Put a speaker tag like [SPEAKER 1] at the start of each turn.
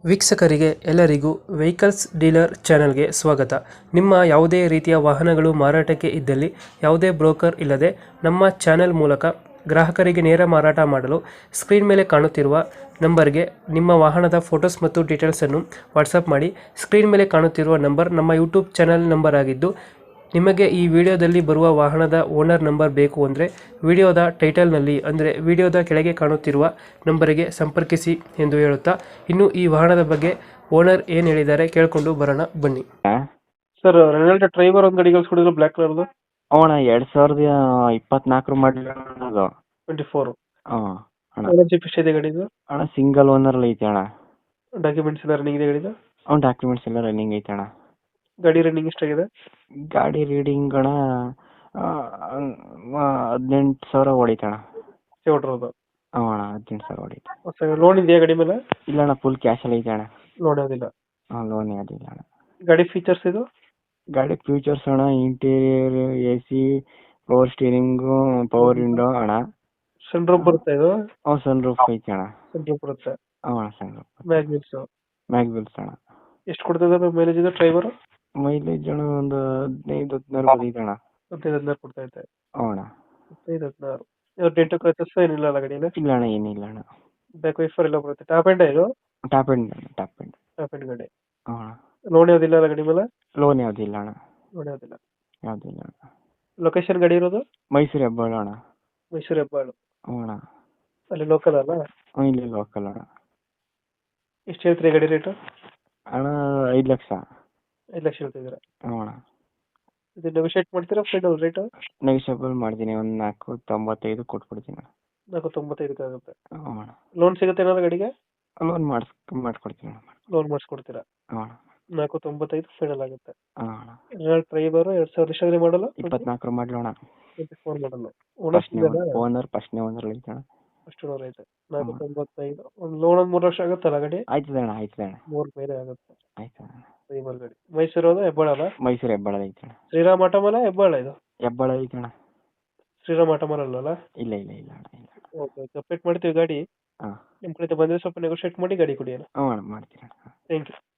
[SPEAKER 1] ವೀಕ್ಷಕರಿಗೆ ಎಲ್ಲರಿಗೂ vehicles dealer ಚಾನೆಲ್ಗೆ ಸ್ವಾಗತ. ನಿಮ್ಮ ಯಾವುದೇ ರೀತಿಯ ವಾಹನಗಳು ಮಾರಾಟಕ್ಕೆ ಇದ್ದಲ್ಲಿ ಯಾವುದೇ ಬ್ರೋಕರ್ ಇಲ್ಲದೆ ನಮ್ಮ ಚಾನೆಲ್ ಮೂಲಕ ಗ್ರಾಹಕರಿಗೆ ನೇರ ಮಾರಾಟ ಮಾಡಲು ಸ್ಕ್ರೀನ್ ಮೇಲೆ ಕಾಣುತ್ತಿರುವ ನಂಬರ್ಗೆ ನಿಮ್ಮ ವಾಹನದ ಫೋಟೋಸ್ ಮತ್ತು ಡೀಟೇಲ್ಸನ್ನು ವಾಟ್ಸಪ್ ಮಾಡಿ. ಸ್ಕ್ರೀನ್ ಮೇಲೆ ಕಾಣುತ್ತಿರುವ ನಂಬರ್ ನಮ್ಮ ಯೂಟ್ಯೂಬ್ ಚಾನೆಲ್ ನಂಬರ್ ಆಗಿದ್ದು, ನಿಮಗೆ ಈ ವಿಡಿಯೋದಲ್ಲಿ ಬರುವ ವಾಹನದ ಓನರ್ ನಂಬರ್ ಬೇಕು ಅಂದರೆ ವಿಡಿಯೋದ ಟೈಟಲ್ನಲ್ಲಿ ಅಂದರೆ ವಿಡಿಯೋದ ಕೆಳಗೆ ಕಾಣುತ್ತಿರುವ ನಂಬರಿಗೆ ಸಂಪರ್ಕಿಸಿ ಎಂದು ಹೇಳುತ್ತಾ, ಇನ್ನು ಈ ವಾಹನದ ಬಗ್ಗೆ ಓನರ್ ಏನು ಹೇಳಿದ್ದಾರೆ ಕೇಳಿಕೊಂಡು ಬರೋಣ ಬನ್ನಿ. ಸರ್, ರೆನಾಲ್ಟ್ ಡ್ರೈವರ್ ಒಂದು ಗಾಡಿ ಕಳಿಸ್ಕೊಡಿದ್ರು ಬ್ಲ್ಯಾಕ್ ಕಲರ್ದು.
[SPEAKER 2] ಅಣ್ಣ 2024 ಮಾಡಲ್ ಅದು
[SPEAKER 1] 24.
[SPEAKER 2] ಹಾಂ ಅಣ್ಣ.
[SPEAKER 1] ಓನರ್ಶಿಪ್ ಎಷ್ಟಿದೆ ಗಾಡಿದು?
[SPEAKER 2] ಅಣ್ಣ ಸಿಂಗಲ್ ಓನರಲ್ಲಿ ಐತೆ ಅಣ್ಣ.
[SPEAKER 1] ಡಾಕ್ಯುಮೆಂಟ್ಸ್ ಎಲ್ಲ ರನ್ನಿಂಗ್ ಇದೆ ಗಾಡಿದು?
[SPEAKER 2] ಡಾಕ್ಯುಮೆಂಟ್ಸ್ ಎಲ್ಲ ರನ್ನಿಂಗ್ ಐತೆ ಅಣ್ಣ.
[SPEAKER 1] ಗಾಡಿ ರನ್ನಿಂಗ್ ಎಷ್ಟಾಗಿದೆ?
[SPEAKER 2] ಗಾಡಿ ರೀಡಿಂಗ್ ಅಣ್ಣ 18,000 ಹೊಡೀತಣ್ಣ.
[SPEAKER 1] ಹೊಡ್ರೋದು?
[SPEAKER 2] ಹಾಂ ಅಣ್ಣ 18,000 ಹೊಡೀತು.
[SPEAKER 1] ಲೋನ್ ಇದೆಯಾ ಗಾಡಿ ಮೇಲೆ?
[SPEAKER 2] ಇಲ್ಲ ಅಣ್ಣ, ಫುಲ್ ಕ್ಯಾಶಲ್ಲಿ ಐತೆ ಅಣ್ಣ.
[SPEAKER 1] ಲೋನ್ ಯಾವುದಿಲ್ಲ?
[SPEAKER 2] ಹಾಂ, ಲೋನ್ ಯಾವುದಿಲ್ಲ ಅಣ್ಣ.
[SPEAKER 1] ಗಾಡಿ ಫೀಚರ್ಸ್ ಇದು?
[SPEAKER 2] ಗಾಡಿ ಫ್ಯೂಚರ್ಸ್ ಅಣ್ಣ, interior AC, power steering, power window ಅಣ್ಣ.
[SPEAKER 1] ಸನ್ ರೂಫ್ ಬರುತ್ತೆ ಇದು?
[SPEAKER 2] ಸನ್ ರೂಫ್ ಐತೆ ಅಣ್ಣ.
[SPEAKER 1] ಸನ್ ರೂಫ್ ಬರುತ್ತೆ.
[SPEAKER 2] ಹಾಂ ಸನ್ ರೂಫ್.
[SPEAKER 1] ಮ್ಯಾಗ್ವಿಲ್ಸ್
[SPEAKER 2] ಅಣ್ಣ.
[SPEAKER 1] ಎಷ್ಟು ಕೊಡ್ತದೆ ಮೈಲೇಜ್ ಇದು ಡ್ರೈವರ್?
[SPEAKER 2] ಮೈಲೇಜ್ ಅಣ್ಣ ಒಂದು 15-16 ಬಂದೈತೆ ಅಣ್ಣ.
[SPEAKER 1] 15-16 ಕೊಡ್ತಾ ಐತೆ.
[SPEAKER 2] ಹ್ಞೂ ಅಣ್ಣ.
[SPEAKER 1] 15-16. ಡೆಂಟು ಕ್ರಚಸ್ ಏನಿಲ್ಲ ಅಲ್ಲ ಗಾಡಿಯಲ್ಲಿ?
[SPEAKER 2] ಇಲ್ಲ ಅಣ್ಣ, ಏನಿಲ್ಲ ಅಣ್ಣ.
[SPEAKER 1] ಬ್ಯಾಕ್ ವೈಫರ್ ಎಲ್ಲ ಬರುತ್ತೆ. ಟಾಪ್ ಎಂಡ್ ಇದು?
[SPEAKER 2] Top end top end.
[SPEAKER 1] Top end ಗಾಡಿ.
[SPEAKER 2] ಹ್ಞೂ ಅಣ್ಣ.
[SPEAKER 1] ಲೋನ್ ಯಾವುದಿಲ್ಲ ಅಲ್ಲ ಗಾಡಿ ಮೇಲೆ?
[SPEAKER 2] ಲೋನ್ ಯಾವುದಿಲ್ಲ ಅಣ್ಣ.
[SPEAKER 1] ಲೋನ್ ಯಾವುದಿಲ್ಲ.
[SPEAKER 2] ಯಾವುದಿಲ್ಲ ಅಣ್ಣ.
[SPEAKER 1] ಲೊಕೇಶನ್ ಗಾಡಿ ಇರೋದು?
[SPEAKER 2] ಮೈಸೂರು ಹೆಬ್ಬಾಳು ಅಣ್ಣ.
[SPEAKER 1] ಮೈಸೂರು ಹೆಬ್ಬಾಳು.
[SPEAKER 2] ಹ್ಞೂ ಅಣ್ಣ.
[SPEAKER 1] ಅಲ್ಲಿ ಲೋಕಲ್ ಅಲ್ಲ?
[SPEAKER 2] ಹ್ಞೂ, ಇಲ್ಲಿ ಲೋಕಲ್ ಅಣ್ಣ.
[SPEAKER 1] ಎಷ್ಟು ಹೇಳ್ತೀರಿ ಗಾಡಿ ರೇಟು?
[SPEAKER 2] ಅಣ್ಣ 5 ಲಕ್ಷ.
[SPEAKER 1] 5 ಲಕ್ಷ ಹೇಳ್ತಿದ್ದೀರಾ?
[SPEAKER 2] ಹ್ಞೂ ಅಣ್ಣ.
[SPEAKER 1] ಇದು ನೆಗೋಷಿಯೇಟ್ ಮಾಡ್ತೀರಾ ಫೈನಲ್ ರೇಟು?
[SPEAKER 2] ನೆಗೋಷಿಯಬಲ್ ಮಾಡ್ತೀನಿ, ಒಂದು 4.95 ಕೊಟ್ಬಿಡ್ತೀನಿ ಅಣ್ಣ.
[SPEAKER 1] 4.95 ಆಗುತ್ತೆ.
[SPEAKER 2] ಹ್ಞೂ ಅಣ್ಣ.
[SPEAKER 1] ಲೋನ್ ಸಿಗುತ್ತೆ ಏನಾದ್ರು ಗಾಡಿಗೆ?
[SPEAKER 2] ಲೋನ್ ಮಾಡಿಸ್ಕೊಡ್ತೀನಿ ಅಣ್ಣ.
[SPEAKER 1] ಲೋನ್ ಮಾಡಿಸ್ಕೊಡ್ತೀರಾ?
[SPEAKER 2] ಹ್ಞೂ ಅಣ್ಣ.
[SPEAKER 1] 4.95 ಫೈನಲ್ ಆಗುತ್ತೆ.
[SPEAKER 2] ಹಾಂ ಅಣ್ಣ.
[SPEAKER 1] ರೆನಾಲ್ಟ್ ಡ್ರೈವರ್ 2000 ಎಷ್ಟಾದ್ರೆ ಮಾಡಲ್ಲ?
[SPEAKER 2] 24 ಮಾಡಲು ಅಣ್ಣ.
[SPEAKER 1] 24 ಮಾಡಲ್ಲ.
[SPEAKER 2] ಫಸ್ಟ್ನೇ ಓನರ್ ಐತೆ ಅಣ್ಣ.
[SPEAKER 1] ಅಷ್ಟು ಲೋನ್ ಐತೆ. 4.95. ಒಂದು ಲೋನ್ ಒಂದು 3 ವರ್ಷ ಆಗುತ್ತಲ್ಲ ಗಾಡಿ?
[SPEAKER 2] ಆಯ್ತದೆ ಅಣ್ಣ, ಆಯ್ತದೆ ಅಣ್ಣ.
[SPEAKER 1] 3 ಮೇಲೆ ಆಗುತ್ತೆ.
[SPEAKER 2] ಆಯ್ತು ಅಣ್ಣ.
[SPEAKER 1] ಡ್ರೈವರ್ ಗಾಡಿ. ಮೈಸೂರು ಹೆಬ್ಬಾಳ ಅಲ್ಲ?
[SPEAKER 2] ಮೈಸೂರು ಹೆಬ್ಬಾಳ ಐತೆ ಅಣ್ಣ.
[SPEAKER 1] ಶ್ರೀರಾಮ್ ಆಟೋಮಲ ಹೆಬ್ಬಾಳ ಇದು?
[SPEAKER 2] ಹೆಬ್ಬಾಳ ಐತೆ ಅಣ್ಣ.
[SPEAKER 1] ಶ್ರೀರಾಮ್ ಆಟೋಮಲ್ ಅಲ್ಲ?
[SPEAKER 2] ಇಲ್ಲ ಇಲ್ಲ ಇಲ್ಲ ಅಣ್ಣ, ಇಲ್ಲ.
[SPEAKER 1] ಓಕೆ, ಅಪ್ಡೇಟ್ ಮಾಡ್ತೀವಿ ಗಾಡಿ.
[SPEAKER 2] ಹಾಂ.
[SPEAKER 1] ನಿಮ್ಮ ಕಡೆ ಬಂದರೆ ಸ್ವಲ್ಪ ನೆಗೋಷಿಯೇಟ್ ಮಾಡಿ ಗಾಡಿ ಕೊಡಿ ಅಣ್ಣ.
[SPEAKER 2] ಹ್ಞೂ ಅಣ್ಣ, ಮಾಡ್ತೀನಿ ಅಣ್ಣ.
[SPEAKER 1] Thank you.